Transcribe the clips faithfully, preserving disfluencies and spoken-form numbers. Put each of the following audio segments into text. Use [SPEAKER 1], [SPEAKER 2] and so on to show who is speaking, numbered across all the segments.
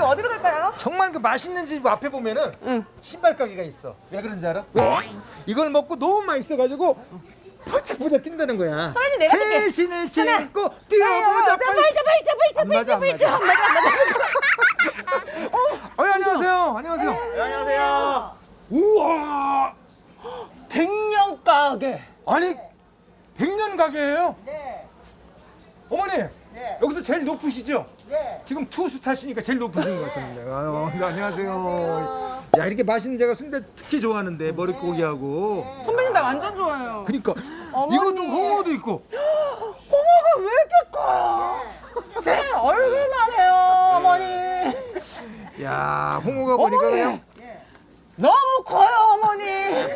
[SPEAKER 1] 어디로 갈까요?
[SPEAKER 2] 정말 그 맛있는 집 앞에 보면은
[SPEAKER 1] 응.
[SPEAKER 2] 신발 가게가 있어. 왜 그런지 알아? 왜? 이걸 먹고 너무 맛있어가지고 펄쩍펄쩍 뛴다는 거야.
[SPEAKER 1] 선배님, 내가 할게.
[SPEAKER 2] 새신을 신고 뛰어보자.
[SPEAKER 1] 자, 발자, 발자, 발자,
[SPEAKER 2] 안 맞아, 안
[SPEAKER 1] 발자,
[SPEAKER 2] 맞아.
[SPEAKER 1] 발자, 안 맞아, 안 맞아.
[SPEAKER 2] 어, 안녕하세요. 안녕하세요.
[SPEAKER 3] 네, 안녕하세요.
[SPEAKER 2] 우와.
[SPEAKER 1] 백년 가게.
[SPEAKER 2] 아니 백 년 가게예요?
[SPEAKER 3] 네.
[SPEAKER 2] 어머니.
[SPEAKER 3] 네.
[SPEAKER 2] 여기서 제일 높으시죠?
[SPEAKER 3] 네.
[SPEAKER 2] 지금 투수 타시니까 제일 높으신 것 같은데. 아유, 네, 안녕하세요.
[SPEAKER 3] 안녕하세요.
[SPEAKER 2] 야, 이렇게 맛있는 제가 순대 특히 좋아하는데 머릿고기하고.
[SPEAKER 1] 선배님 나 완전 좋아해요.
[SPEAKER 2] 그러니까
[SPEAKER 1] 어머니.
[SPEAKER 2] 이것도 홍어도 있고.
[SPEAKER 1] 홍어가 왜 이렇게 커요? 제 얼굴만 해요, 어머니.
[SPEAKER 2] 야, 홍어가 보니까
[SPEAKER 1] 어머니.
[SPEAKER 2] 그냥
[SPEAKER 1] 너무 커요, 어머니.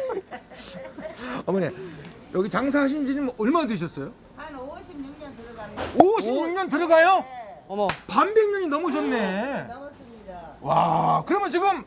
[SPEAKER 2] 어머니 여기 장사하신 지는 얼마 되셨어요?
[SPEAKER 3] 한 오십육 년 들어갑니다.
[SPEAKER 2] 오십육 년 들어가요?
[SPEAKER 3] 네.
[SPEAKER 1] 어머.
[SPEAKER 2] 반백 년이 넘으셨네.
[SPEAKER 3] 넘었습니다.
[SPEAKER 2] 와, 그러면 지금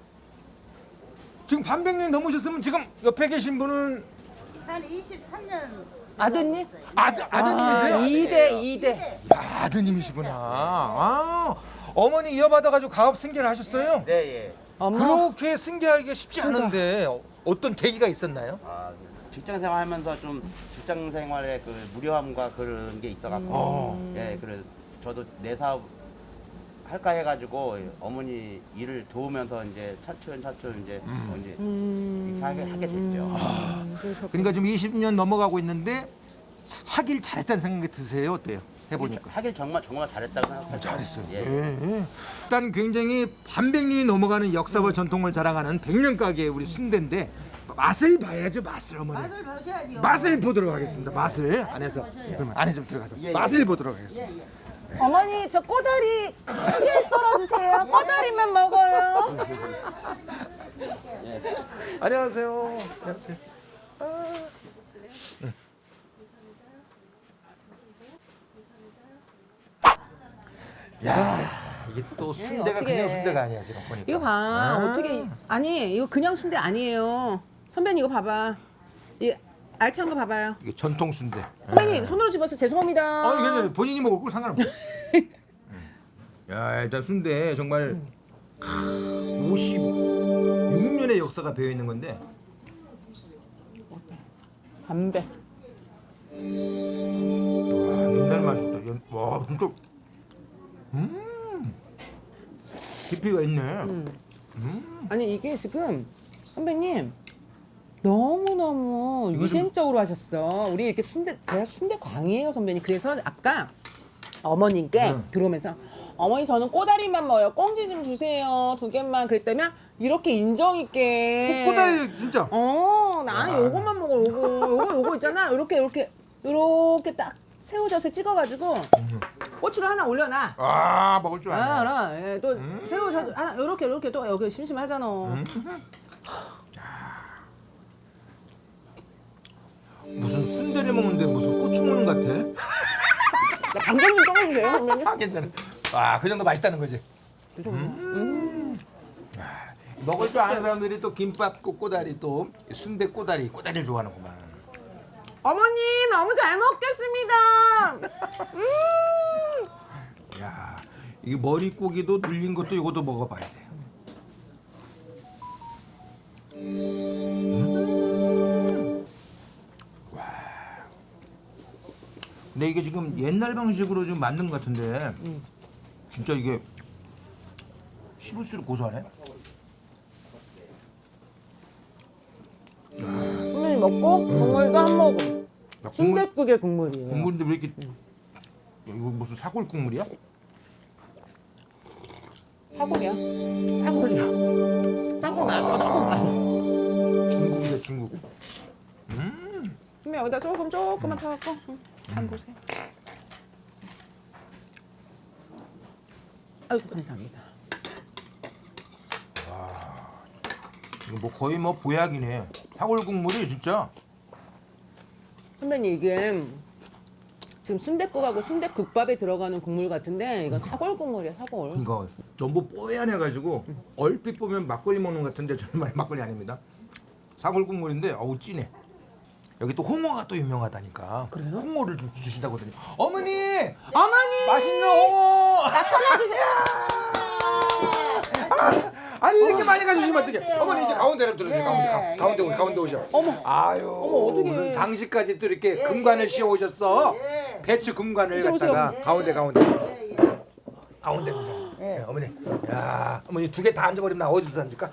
[SPEAKER 2] 지금 반백 년이 넘으셨으면 지금 옆에 계신 분은
[SPEAKER 3] 한 이십삼 년.
[SPEAKER 1] 아드님?
[SPEAKER 2] 아드, 아드님이세요?
[SPEAKER 1] 이 대, 이 대.
[SPEAKER 2] 야, 아드님이시구나. 아, 어머니 이어받아가지고 가업 승계를 하셨어요?
[SPEAKER 4] 네, 예.
[SPEAKER 1] 어머.
[SPEAKER 2] 그렇게 승계하기가 쉽지 않은데 어- 어떤 계기가 있었나요?
[SPEAKER 4] 아, 직장 생활하면서 좀 직장 생활의 그 무료함과 그런 게 있어갖고,
[SPEAKER 2] 어.
[SPEAKER 4] 예, 그래 저도 내 사업 할까 해가지고 어머니 일을 도우면서 이제 차츰 차츰 이제 뭐 이제 이렇게 하게, 하게 됐죠.
[SPEAKER 2] 그러니까 지금 이십 년 넘어가고 있는데 하길 잘했다는 생각이 드세요? 어때요? 해보니까.
[SPEAKER 4] 하길 정말 정말 잘했다고 생각해요.
[SPEAKER 2] 잘했어요.
[SPEAKER 4] 예.
[SPEAKER 2] 예. 일단 굉장히 반백 년이 넘어가는 역사와 전통을 자랑하는 백년 가게의 우리 순대인데 맛을 봐야죠, 맛을 어머니.
[SPEAKER 3] 맛을 보셔야죠.
[SPEAKER 2] 맛을 보도록 하겠습니다. 맛을 안에서
[SPEAKER 3] 보셔요.
[SPEAKER 2] 그러면 안에 좀 들어가서
[SPEAKER 4] 예, 예.
[SPEAKER 2] 맛을 보도록 하겠습니다.
[SPEAKER 3] 예, 예.
[SPEAKER 1] 어머니, 저 꼬다리 크게 썰어주세요. 꼬다리만 먹어요.
[SPEAKER 2] 안녕하세요. 안녕하세요. 아. 응. 야, 이게 또 순대가
[SPEAKER 1] 어떡해.
[SPEAKER 2] 그냥 순대가 아니야 지금 보니까.
[SPEAKER 1] 이거 봐.
[SPEAKER 2] 아.
[SPEAKER 1] 어떻게. 아니, 이거 그냥 순대 아니에요. 선배님, 이거 봐봐. 이 알찬 거 봐봐요.
[SPEAKER 2] 이게 전통 순대.
[SPEAKER 1] 선배님, 손으로 집어서 죄송합니다.
[SPEAKER 2] 아니 괜찮아요. 본인이 먹을 거 상관없어. 야, 일단 순대 정말 오십육 년의 역사가 배어 있는 건데.
[SPEAKER 1] 담배.
[SPEAKER 2] 와, 옛날 맛이다. 옛- 와, 진짜. 음. 깊이가 있네.
[SPEAKER 1] 아니, 이게 지금 선배님 너무너무
[SPEAKER 2] 이거 좀-
[SPEAKER 1] 위생적으로 하셨어. 우리 이렇게 순대, 제가 순대 광이에요, 선배님. 그래서 아까 어머님께
[SPEAKER 2] 응.
[SPEAKER 1] 들어오면서 어머니 저는 꼬다리만 먹어요. 꽁지 좀 주세요. 두 개만 그랬다면 이렇게 인정 있게.
[SPEAKER 2] 꼬다리 진짜.
[SPEAKER 1] 어, 나는 요거만 먹어. 요거, 요거, 요거 있잖아. 요렇게, 요렇게, 요렇게 딱 새우젓에 찍어가지고 고추를 하나 올려놔.
[SPEAKER 2] 아, 먹을 줄
[SPEAKER 1] 아,
[SPEAKER 2] 아네.
[SPEAKER 1] 알아. 예, 또 새우젓 하나 요렇게, 요렇게 또 여기 심심하잖아.
[SPEAKER 2] 무슨 순대를 먹는데 무슨 고추 먹는 것 같아?
[SPEAKER 1] 나 방금 좀 떠주세요, 선배님.
[SPEAKER 2] 아, 괜찮아. 아, 그 정도 맛있다는 거지. 음. 아, 먹을 줄 아는 사람들이 또 김밥 꼬- 꼬다리 또 순대 꼬다리 꼬다리를 좋아하는구만.
[SPEAKER 1] 어머니 너무 잘 먹겠습니다. 음.
[SPEAKER 2] 야, 이게 머릿고기도 눌린 것도 이것도 먹어봐야 돼. 음. 와. 근데 이게 지금 옛날 방식으로 좀 만든 것 같은데 진짜 이게 씹을수록 고소하네.
[SPEAKER 1] 선배님 먹고 국물도 한 모금.
[SPEAKER 2] 야, 국물,
[SPEAKER 1] 순댓국의 국물이에요.
[SPEAKER 2] 국물인데 왜 이렇게 이거 무슨 사골 국물이야?
[SPEAKER 1] 사골이야. 사골이야. 사골 나요. 사골 나요.
[SPEAKER 2] 중국이다 중국.
[SPEAKER 1] 선배 여기다 조금 조금만 타갖고 응, 간 보세요. 아이고 감사합니다.
[SPEAKER 2] 이거 뭐 거의 뭐 보약이네. 사골 국물이 진짜.
[SPEAKER 1] 선배님 이게 지금 순댓국하고 순댓국밥에 들어가는 국물 같은데 이건 사골 국물이야 사골.
[SPEAKER 2] 이거 전부 뽀얀해가지고 얼핏 보면 막걸리 먹는 것 같은데 정말 막걸리 아닙니다. 사골 국물인데 어우 진해. 여기 또 홍어가 또 유명하다니까.
[SPEAKER 1] 그래요?
[SPEAKER 2] 홍어를 좀 주신다고 하더니 어머니
[SPEAKER 1] 어머니
[SPEAKER 2] 맛있는 홍어.
[SPEAKER 1] 나타나 주세요.
[SPEAKER 2] 아니 이렇게 많이 가져주시면 어떡해.
[SPEAKER 3] 안녕하세요.
[SPEAKER 2] 어머니 이제 가운데로 들어오세요.
[SPEAKER 3] 네,
[SPEAKER 2] 가운데 가- 가운데
[SPEAKER 3] 예,
[SPEAKER 2] 오셔.
[SPEAKER 3] 예,
[SPEAKER 2] 가운데
[SPEAKER 3] 예.
[SPEAKER 2] 오셔.
[SPEAKER 1] 어머.
[SPEAKER 2] 아유
[SPEAKER 1] 어머, 어떡해.
[SPEAKER 2] 무슨 장식까지 또 이렇게
[SPEAKER 3] 예,
[SPEAKER 2] 금관을
[SPEAKER 3] 예,
[SPEAKER 2] 씌워 오셨어.
[SPEAKER 3] 예.
[SPEAKER 2] 배추 금관을
[SPEAKER 1] 이제
[SPEAKER 2] 갖다가
[SPEAKER 1] 오세요.
[SPEAKER 2] 가운데 가운데
[SPEAKER 3] 예, 예.
[SPEAKER 2] 가운데 가운데.
[SPEAKER 3] 예.
[SPEAKER 2] 예, 어머니. 야 어머니 두 개 다 앉아버리면 나 어디서 앉을까?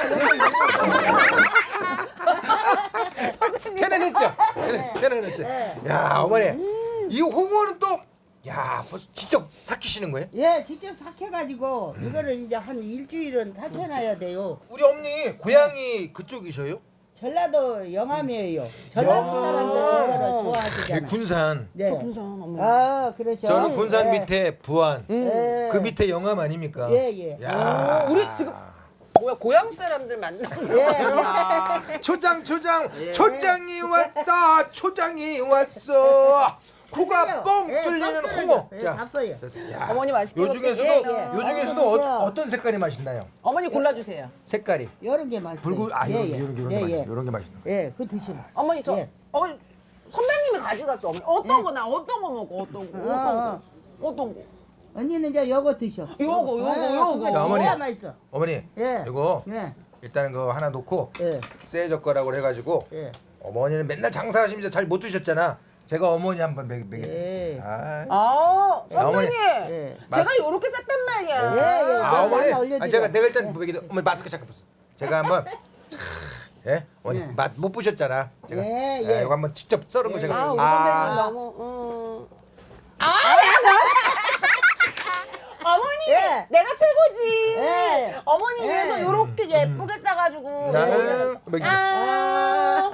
[SPEAKER 2] 편안했죠? 편안- 편안했죠? 야 어머니 이 홍어는 또 야 벌써 직접 삭히시는 거예요?
[SPEAKER 3] 예, 직접 삭혀가지고 이거를 이제 한 일주일은 삭혀놔야 돼요.
[SPEAKER 2] 우리 어머니 고향이 그쪽이셔요?
[SPEAKER 3] 전라도 영암이에요. 전라도 사람들 이거를
[SPEAKER 2] 예,
[SPEAKER 3] 좋아하시잖아요.
[SPEAKER 2] 군산.
[SPEAKER 3] 네.
[SPEAKER 1] 군산 어머.
[SPEAKER 3] 아, 그러셔.
[SPEAKER 2] 저는 군산
[SPEAKER 3] 예.
[SPEAKER 2] 밑에 부안.
[SPEAKER 3] 예.
[SPEAKER 2] 그 밑에 영암 아닙니까?
[SPEAKER 3] 예, 예.
[SPEAKER 2] 야.
[SPEAKER 1] 우리 지금 뭐야 고향 사람들 만나는
[SPEAKER 3] 예.
[SPEAKER 1] 거야.
[SPEAKER 2] 초장 초장 초장이 왔다 초장이 왔어 코가
[SPEAKER 3] 드세요.
[SPEAKER 2] 뻥
[SPEAKER 3] 예,
[SPEAKER 2] 뚫리는
[SPEAKER 3] 뻥
[SPEAKER 2] 홍어.
[SPEAKER 3] 뚫려요. 예, 잡숴요.
[SPEAKER 2] 야.
[SPEAKER 1] 어머니 맛있게
[SPEAKER 2] 요 중에서도
[SPEAKER 3] 예, 예.
[SPEAKER 2] 요 중에서도
[SPEAKER 3] 아,
[SPEAKER 2] 어,
[SPEAKER 3] 그래요.
[SPEAKER 2] 어떤 색깔이 맛있나요?
[SPEAKER 1] 어머니 골라주세요.
[SPEAKER 2] 색깔이
[SPEAKER 3] 이런 게 맛있어요.
[SPEAKER 2] 붉은 아 이런 게 이런 게 이런 게
[SPEAKER 3] 예,
[SPEAKER 2] 맛있
[SPEAKER 3] 예.
[SPEAKER 2] 이런 게 맛있네.
[SPEAKER 3] 예, 그거 드시면.
[SPEAKER 1] 어머니 저
[SPEAKER 3] 예.
[SPEAKER 1] 어머니 선배님이 가져갔어. 어머니 어떤 거 나 어떤 거 먹어 어떤 거 어떤 거 어떤 거.
[SPEAKER 3] 언니는 이제 요거 드셔.
[SPEAKER 1] 요거, 요거,
[SPEAKER 3] 아,
[SPEAKER 1] 요거.
[SPEAKER 3] 그거
[SPEAKER 2] 자, 어머니.
[SPEAKER 3] 진짜 맛있어.
[SPEAKER 2] 어머니
[SPEAKER 3] 예.
[SPEAKER 2] 이거
[SPEAKER 3] 예.
[SPEAKER 2] 일단은 거 하나 놓고
[SPEAKER 3] 예.
[SPEAKER 2] 새 젓가락으로 해가지고
[SPEAKER 3] 예.
[SPEAKER 2] 어머니는 맨날 장사하시면서 잘 못 드셨잖아. 제가 어머니 한번 먹여 먹여.
[SPEAKER 3] 예.
[SPEAKER 2] 아,
[SPEAKER 1] 아 선배님
[SPEAKER 3] 예.
[SPEAKER 1] 제가 요렇게 쌌단 말이야.
[SPEAKER 3] 예, 예.
[SPEAKER 2] 아 어머니,
[SPEAKER 3] 하나 올려드려.
[SPEAKER 2] 아, 제가 내가 일단 먹이 어머니 마스크 잠깐 벗어. 제가 한번 예 어머니
[SPEAKER 3] 예.
[SPEAKER 2] 맛 못 보셨잖아. 제가
[SPEAKER 3] 예,
[SPEAKER 2] 예,
[SPEAKER 3] 예.
[SPEAKER 2] 이거 한번 직접 썰은 거
[SPEAKER 3] 예,
[SPEAKER 2] 제가.
[SPEAKER 1] 아 우리 선배님 너무 음. 아 어머니
[SPEAKER 3] 예.
[SPEAKER 1] 내가 최고지.
[SPEAKER 3] 예.
[SPEAKER 1] 어머니
[SPEAKER 3] 예.
[SPEAKER 1] 위해서 요렇게 예쁘게 싸가지고.
[SPEAKER 2] 나는 먹이.
[SPEAKER 1] 아.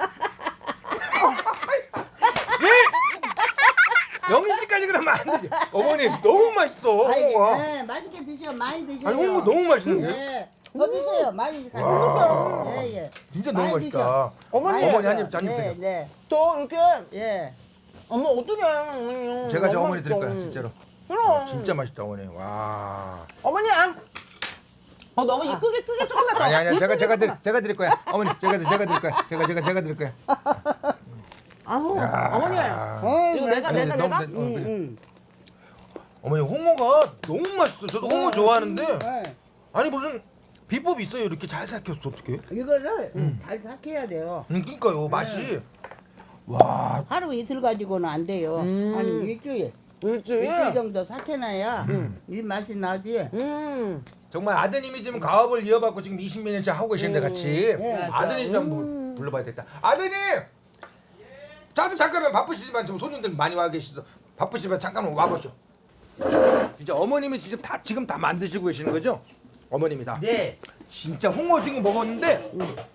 [SPEAKER 2] 영희 씨까지 그러면 안 되지. 어머니 너무 맛있어.
[SPEAKER 3] 아이,
[SPEAKER 2] 홍어가.
[SPEAKER 3] 예, 맛있게 드셔. 많이 드셔.
[SPEAKER 2] 아니 홍어 너무 맛있는데.
[SPEAKER 3] 예. 더 드세요. 많이 같이
[SPEAKER 2] 와.
[SPEAKER 3] 드세요. 예, 예.
[SPEAKER 2] 진짜 너무
[SPEAKER 3] 많이
[SPEAKER 2] 맛있다.
[SPEAKER 3] 드셔.
[SPEAKER 1] 어머니.
[SPEAKER 3] 많이
[SPEAKER 2] 어머니
[SPEAKER 3] 드셔.
[SPEAKER 2] 한 입, 한 입
[SPEAKER 3] 네,
[SPEAKER 2] 드세요.
[SPEAKER 3] 네.
[SPEAKER 1] 저 이렇게
[SPEAKER 3] 예.
[SPEAKER 1] 어머 어떡해 어머니.
[SPEAKER 2] 제가 저
[SPEAKER 1] 너무
[SPEAKER 2] 어머니 드릴 거야
[SPEAKER 1] 맛있어.
[SPEAKER 2] 진짜로.
[SPEAKER 1] 그럼
[SPEAKER 2] 진짜 맛있다 어머니. 와.
[SPEAKER 1] 어머니 아. 어 너무 이쁘게 크게 조금만 더.
[SPEAKER 2] 아니 아니 제가
[SPEAKER 1] 이쁘게
[SPEAKER 2] 제가 드
[SPEAKER 1] 조금만.
[SPEAKER 2] 제가 드릴 거야. 어머니 제가 드- 제가 드릴 거야. 제가 제가 제가 드릴 거야.
[SPEAKER 1] 아우
[SPEAKER 2] 야.
[SPEAKER 1] 어머니.
[SPEAKER 3] 어이,
[SPEAKER 1] 이거 내가
[SPEAKER 2] 아니,
[SPEAKER 1] 내가
[SPEAKER 2] 너무
[SPEAKER 1] 내가.
[SPEAKER 2] 내- 어,
[SPEAKER 3] 음,
[SPEAKER 2] 그래.
[SPEAKER 3] 음.
[SPEAKER 2] 어머니 홍어가 너무 맛있어. 저도 홍어 좋아하는데
[SPEAKER 3] 예.
[SPEAKER 2] 아니 무슨 비법이 있어요? 이렇게 잘 삭혔어 어떻게?
[SPEAKER 3] 이거를
[SPEAKER 2] 음.
[SPEAKER 3] 잘 삭혀야 돼요.
[SPEAKER 2] 음, 그러니까요 맛이 와
[SPEAKER 3] 하루 이틀 가지고는 안 돼요.
[SPEAKER 1] 음.
[SPEAKER 3] 한 일주일.
[SPEAKER 1] 일주일.
[SPEAKER 3] 일주일 정도 삭혀놔야 이 맛이 나지.
[SPEAKER 1] 음.
[SPEAKER 2] 정말 아드님이 지금 가업을 이어받고 지금 이십 년째 하고 계시는데 같이
[SPEAKER 3] 예.
[SPEAKER 2] 아드님 좀 한번 불러봐야 겠다. 아드님, 자도 잠깐만 바쁘시지만 좀 손님들 많이 와 계시죠. 바쁘시지만 잠깐만 와보죠. 진짜 어머님이 진짜 다 지금 다 만드시고 계시는 거죠? 어머님이다.
[SPEAKER 4] 네.
[SPEAKER 2] 진짜 홍어 지금 먹었는데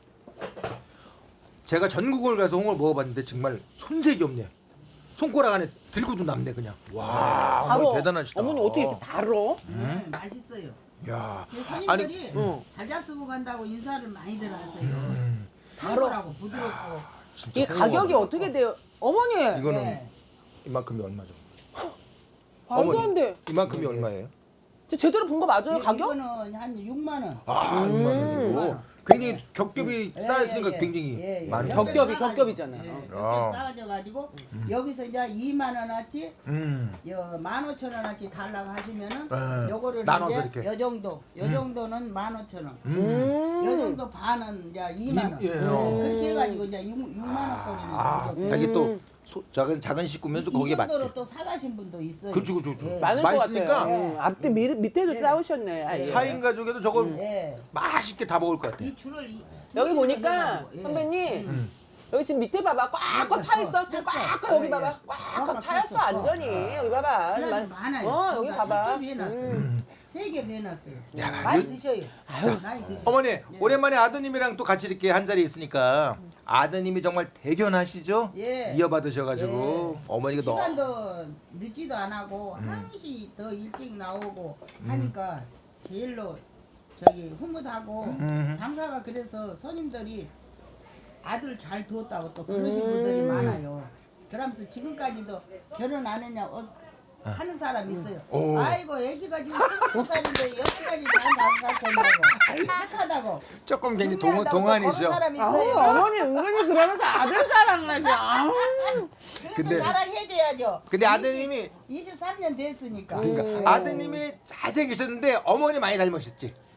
[SPEAKER 2] 제가 전국을 가서 홍어를 먹어봤는데 정말 손색이 없네요. 손가락 안에 들고도 남네 그냥. 와,
[SPEAKER 1] 바로
[SPEAKER 2] 어머니 대단하시다.
[SPEAKER 1] 어머니 어떻게 이렇게 달어?
[SPEAKER 3] 음, 맛있어요.
[SPEAKER 2] 야,
[SPEAKER 3] 근데
[SPEAKER 2] 아니
[SPEAKER 3] 손님들이
[SPEAKER 1] 응.
[SPEAKER 3] 잘 잡수고 간다고 인사를 많이 들어왔어요.
[SPEAKER 2] 음,
[SPEAKER 3] 바로라고 부드럽고.
[SPEAKER 2] 진짜
[SPEAKER 1] 이 가격이
[SPEAKER 2] 홍어가
[SPEAKER 1] 어떻게 돼요? 어머니
[SPEAKER 2] 이거는
[SPEAKER 3] 네.
[SPEAKER 2] 이만큼이 얼마죠?
[SPEAKER 1] 말도 안 돼.
[SPEAKER 2] 이만큼이 얼마예요?
[SPEAKER 1] 저 제대로 본 거 맞아요 가격?
[SPEAKER 3] 이거는 한 육만 원.
[SPEAKER 2] 아,
[SPEAKER 1] 음.
[SPEAKER 2] 육만 원이고 굉장히 겹겹이
[SPEAKER 3] 예,
[SPEAKER 2] 쌓였으니까
[SPEAKER 3] 예, 예.
[SPEAKER 2] 굉장히
[SPEAKER 3] 예, 예.
[SPEAKER 2] 많이.
[SPEAKER 1] 겹겹이,
[SPEAKER 3] 싸가지고,
[SPEAKER 1] 겹겹이잖아요.
[SPEAKER 3] 예,
[SPEAKER 2] 아.
[SPEAKER 3] 겹겹이 싸가져가지고 여기서 이제 이만 원어치,
[SPEAKER 2] 음.
[SPEAKER 3] 만 오천 원어치 달라고 하시면은
[SPEAKER 2] 예.
[SPEAKER 3] 요거를
[SPEAKER 2] 나눠서
[SPEAKER 3] 이제
[SPEAKER 2] 이렇게.
[SPEAKER 3] 요 정도, 요 정도는 만 오천 원.
[SPEAKER 1] 음.
[SPEAKER 3] 요 정도 반은 이제 이만 원.
[SPEAKER 2] 이- 예.
[SPEAKER 3] 예, 그렇게 해가지고 이제 육, 육만 원
[SPEAKER 2] 아,
[SPEAKER 3] 꼴이는
[SPEAKER 2] 자기 또
[SPEAKER 1] 음.
[SPEAKER 2] 소, 작은 작은 식구면서
[SPEAKER 3] 이
[SPEAKER 2] 거기에 맞게.
[SPEAKER 3] 정도로 또 사가신 분도 있어요.
[SPEAKER 2] 그렇죠, 그렇죠, 그렇죠.
[SPEAKER 3] 예.
[SPEAKER 1] 많을 것
[SPEAKER 2] 맛있으니까
[SPEAKER 1] 같아요. 음. 앞뒤 미, 밑에도 싸우셨네. 아예.
[SPEAKER 2] 사 인 가족에도 저거
[SPEAKER 3] 예.
[SPEAKER 2] 맛있게 다 먹을 것 같아.
[SPEAKER 3] 이 줄을 이,
[SPEAKER 1] 여기
[SPEAKER 3] 이
[SPEAKER 1] 보니까
[SPEAKER 3] 해가지고, 예.
[SPEAKER 1] 선배님 여기 지금 밑에 봐봐 꽉꽉 차 있어. 지금 꽉꽉 여기 봐봐 꽉꽉 차였어 완전히 여기 봐봐.
[SPEAKER 3] 그래도
[SPEAKER 1] 많-
[SPEAKER 3] 많아요.
[SPEAKER 1] 어 여기 봐봐.
[SPEAKER 3] 섭섭히 해놨어요.
[SPEAKER 1] 음.
[SPEAKER 3] 세 개 해놨어요.
[SPEAKER 2] 야,
[SPEAKER 3] 많이
[SPEAKER 2] 요-
[SPEAKER 3] 드셔요. 많이 드셔요.
[SPEAKER 2] 어머니 오랜만에 아드님이랑 또 같이 이렇게 한 자리에 있으니까 아드님이 정말 대견하시죠?
[SPEAKER 3] 예.
[SPEAKER 2] 이어받으셔가지고 어머니가 너무
[SPEAKER 3] 시간도 늦지도 안 하고 항시 더 일찍 나오고 하니까 제일로 저기 흐뭇하고
[SPEAKER 2] 음.
[SPEAKER 3] 장사가 그래서 손님들이 아들 잘 두었다고 또 그러신 분들이 많아요. 그러면서 지금까지도 결혼 안 했냐 어, 하는 사람 있어요.
[SPEAKER 2] 오.
[SPEAKER 3] 아이고 애기가 지금 스무 살인데 여기까지 잘 나가겠냐고 착하다고.
[SPEAKER 2] 조금 굉장히 동,
[SPEAKER 3] 중요하다고 또
[SPEAKER 2] 동안이죠.
[SPEAKER 3] 그런 사람
[SPEAKER 1] 아우,
[SPEAKER 3] 있어요.
[SPEAKER 1] 어머니 은근히 그러면서 아들 자랑하지. 아우.
[SPEAKER 3] 그래도
[SPEAKER 2] 근데-
[SPEAKER 3] 자랑해줘야죠.
[SPEAKER 2] 근데 아드님이
[SPEAKER 3] 이십삼 년 됐으니까.
[SPEAKER 2] 그러니까
[SPEAKER 1] 음.
[SPEAKER 2] 아드님이 잘생기셨는데 어머니 많이 닮으셨지.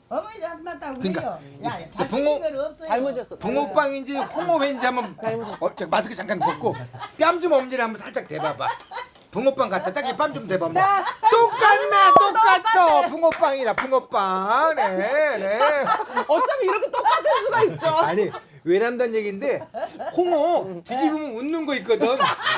[SPEAKER 3] 어머니도 한 맞다고
[SPEAKER 2] 그러니까
[SPEAKER 3] 그래요. 야,
[SPEAKER 2] 붕어-
[SPEAKER 3] 잘생긴 건 없어요.
[SPEAKER 1] 닮으셨어.
[SPEAKER 2] 붕어빵인지 홍어회인지 한번 어, 저 마스크 잠깐 벗고 뺨 좀 엄지를 한번 살짝 대봐봐. 붕어빵 같아. 딱 이 뺨 좀 대봐.
[SPEAKER 1] 자,
[SPEAKER 2] 똑같네, 똑같어. 붕어빵이다, 붕어빵. 네, 네.
[SPEAKER 1] 어차피 이렇게 똑같을 수가 있죠.
[SPEAKER 2] 아니 외람단 얘기인데 홍어 뒤집으면 웃는 거 있거든.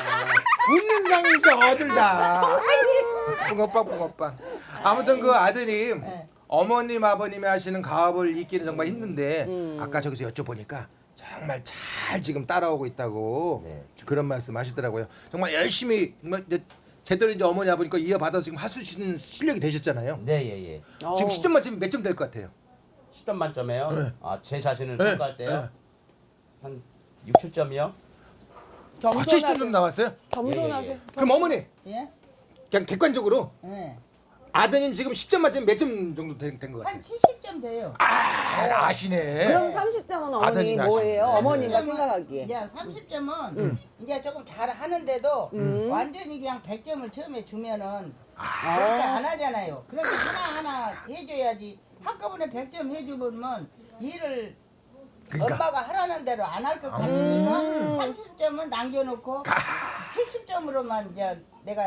[SPEAKER 2] 웃는 상이셔 어들 다. 붕어빵, 붕어빵. 아무튼 그 아드님. 어머님 아버님이 하시는 가업을 잇기는 정말 힘든데 아까 저기서 여쭤보니까 정말 잘 지금 따라오고 있다고
[SPEAKER 4] 네.
[SPEAKER 2] 그런 말씀 하시더라고요. 정말 열심히 정말 이제 제대로 이제 어머니 아버니까 이어받아서 지금 하수시는 실력이 되셨잖아요.
[SPEAKER 4] 네, 예, 예.
[SPEAKER 2] 지금 십 점 만점 몇 점 될 것 같아요?
[SPEAKER 4] 십 점 만점에요.
[SPEAKER 2] 네.
[SPEAKER 4] 아, 제 자신을
[SPEAKER 2] 네.
[SPEAKER 4] 평가할 때요.
[SPEAKER 2] 네.
[SPEAKER 4] 한 육, 칠 점이요.
[SPEAKER 2] 아, 칠십 점 정도 나왔어요?
[SPEAKER 1] 겸손하세요.
[SPEAKER 4] 예, 예,
[SPEAKER 2] 그럼 어머니
[SPEAKER 3] 예?
[SPEAKER 2] 그냥 객관적으로
[SPEAKER 3] 예.
[SPEAKER 2] 아드님 지금 십 점 만점 몇 점 정도 된 것 같아요?
[SPEAKER 3] 한 칠십 점 돼요.
[SPEAKER 2] 아, 아시네.
[SPEAKER 1] 그럼 삼십 점은 어머니
[SPEAKER 2] 아드님이
[SPEAKER 1] 뭐예요?
[SPEAKER 2] 하시네.
[SPEAKER 1] 어머니가
[SPEAKER 3] 삼십 점은
[SPEAKER 1] 생각하기에.
[SPEAKER 3] 이제 삼십 점은 이제 조금 잘 하는데도
[SPEAKER 1] 음.
[SPEAKER 3] 완전히 그냥 백 점을 처음에 주면은
[SPEAKER 2] 아.
[SPEAKER 3] 그렇게 안 하잖아요. 그러니까 하나하나 해줘야지. 한꺼번에 백 점 해주면 일을
[SPEAKER 2] 그러니까.
[SPEAKER 3] 엄마가 하라는 대로 안 할 것 같으니까 삼십 점은 남겨놓고 칠십 점으로만 이제 내가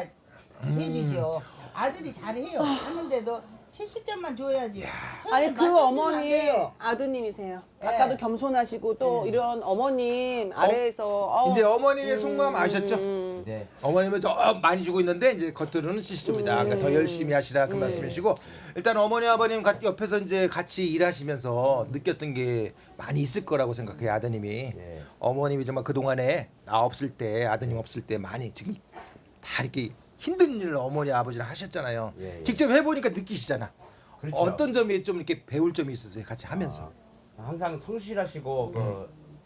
[SPEAKER 3] 해주죠. 아들이 잘해요. 하는데도 칠십 점만 줘야지. 처음에
[SPEAKER 1] 아니 그
[SPEAKER 3] 맞춰주면 안
[SPEAKER 1] 어머니
[SPEAKER 3] 돼요.
[SPEAKER 1] 아드님이세요.
[SPEAKER 3] 네.
[SPEAKER 1] 아까도 겸손하시고 또 이런 어머님 아래에서 어우,
[SPEAKER 2] 이제 어머님의 속마음 아셨죠?
[SPEAKER 1] 음.
[SPEAKER 4] 네.
[SPEAKER 2] 어머님은 저 많이 주고 있는데 이제 겉으로는 칠십점이다. 그러니까 더 열심히 하시라 그 말씀이시고 일단 어머니 아버님 같- 옆에서 이제 같이 일하시면서 느꼈던 게 많이 있을 거라고 생각해요 아드님이.
[SPEAKER 4] 네.
[SPEAKER 2] 어머님이 정말 그 동안에 나 없을 때 아드님 없을 때 많이 지금 다 이렇게 힘든 일을 어머니 아버지랑 하셨잖아요.
[SPEAKER 4] 예, 예.
[SPEAKER 2] 직접 해보니까 느끼시잖아.
[SPEAKER 4] 그렇죠.
[SPEAKER 2] 어떤 점이 좀 이렇게 배울 점이 있으세요 같이 하면서?
[SPEAKER 4] 항상 성실하시고 그,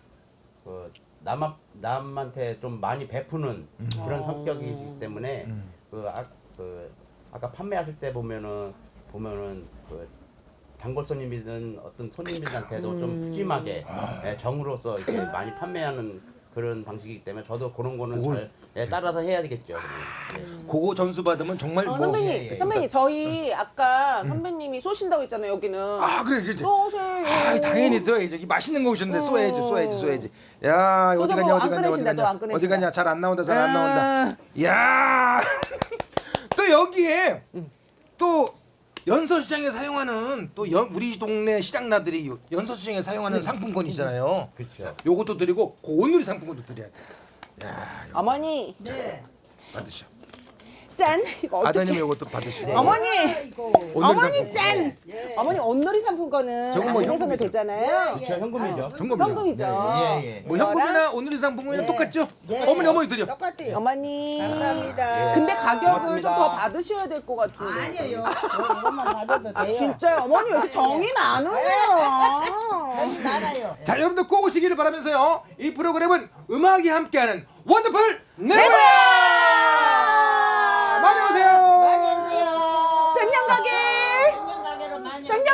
[SPEAKER 4] 그 남, 남한테 좀 많이 베푸는 그런 성격이시기 때문에 그, 아, 그 아까 판매하실 때 보면은 보면은 그 단골 손님이든 어떤 손님들한테도 좀 푸짐하게 예, 정으로서 이렇게 많이 판매하는 그런 방식이기 때문에 저도 그런 거는 잘 예, 따라서 해야 되겠죠. 그러면. 예.
[SPEAKER 2] 그거 점수 받으면 정말
[SPEAKER 1] 어,
[SPEAKER 2] 뭐
[SPEAKER 1] 선배님,
[SPEAKER 4] 예, 예.
[SPEAKER 1] 선배님 저희 아까 선배님이 쏘신다고 했잖아요 여기는.
[SPEAKER 2] 아 그래 그래.
[SPEAKER 1] 쏘세요.
[SPEAKER 2] 아 당연히 쏘야지. 이 맛있는 거 오셨는데
[SPEAKER 1] 어.
[SPEAKER 2] 쏘야지 쏘야지 쏘야지. 야 어디
[SPEAKER 1] 쏘서
[SPEAKER 2] 가냐
[SPEAKER 1] 뭐
[SPEAKER 2] 어디
[SPEAKER 1] 안
[SPEAKER 2] 가냐 어디
[SPEAKER 1] 꺼내신다, 또안
[SPEAKER 2] 가냐
[SPEAKER 1] 꺼내신다.
[SPEAKER 2] 어디 가냐 잘 안 나온다 잘 안
[SPEAKER 1] 아.
[SPEAKER 2] 나온다. 야 또 여기에 또 연서시장에 사용하는 또 연, 우리 동네 시장나들이 연서시장에 사용하는 상품권이잖아요.
[SPEAKER 4] 그렇죠.
[SPEAKER 2] 요것도 드리고 그 오늘의 상품권도 드려야 돼. 야 이거
[SPEAKER 1] 어머니
[SPEAKER 3] 네.
[SPEAKER 2] 받으셔.
[SPEAKER 1] 짠 이거 어떻게?
[SPEAKER 2] 아드님 요것도 받으시고.
[SPEAKER 1] 어머니
[SPEAKER 3] 아이고.
[SPEAKER 2] 오늘
[SPEAKER 1] 어머니
[SPEAKER 2] 상품권.
[SPEAKER 1] 짠.
[SPEAKER 3] 예.
[SPEAKER 1] 어머니 온누리 상품권은
[SPEAKER 2] 저건 뭐
[SPEAKER 1] 안내선에
[SPEAKER 2] 현금이죠.
[SPEAKER 1] 되잖아요.
[SPEAKER 4] 그렇죠. 현금이죠.
[SPEAKER 2] 현금이죠.
[SPEAKER 1] 현금이죠.
[SPEAKER 4] 예, 예.
[SPEAKER 2] 뭐 현금이나 오늘의 상품권이랑
[SPEAKER 3] 네.
[SPEAKER 2] 똑같죠?
[SPEAKER 3] 예.
[SPEAKER 2] 어머니 어머니 드려.
[SPEAKER 3] 똑같아요.
[SPEAKER 1] 어머니.
[SPEAKER 3] 감사합니다.
[SPEAKER 1] 근데 가격을 좀
[SPEAKER 4] 고맙습니다.
[SPEAKER 1] 더 받으셔야 될 것 같은데.
[SPEAKER 3] 아니에요. 뭐 이것만 받아도 돼요.
[SPEAKER 1] 진짜 어머니 왜 이렇게 정이 많으세요?
[SPEAKER 3] 저희 많아요.
[SPEAKER 2] 자 여러분들 꼭 오시기를 바라면서요. 이 프로그램은 음악이 함께하는 원더풀 네버랜드 많이 오세요.
[SPEAKER 3] 많이 오세요.
[SPEAKER 1] 백년 가게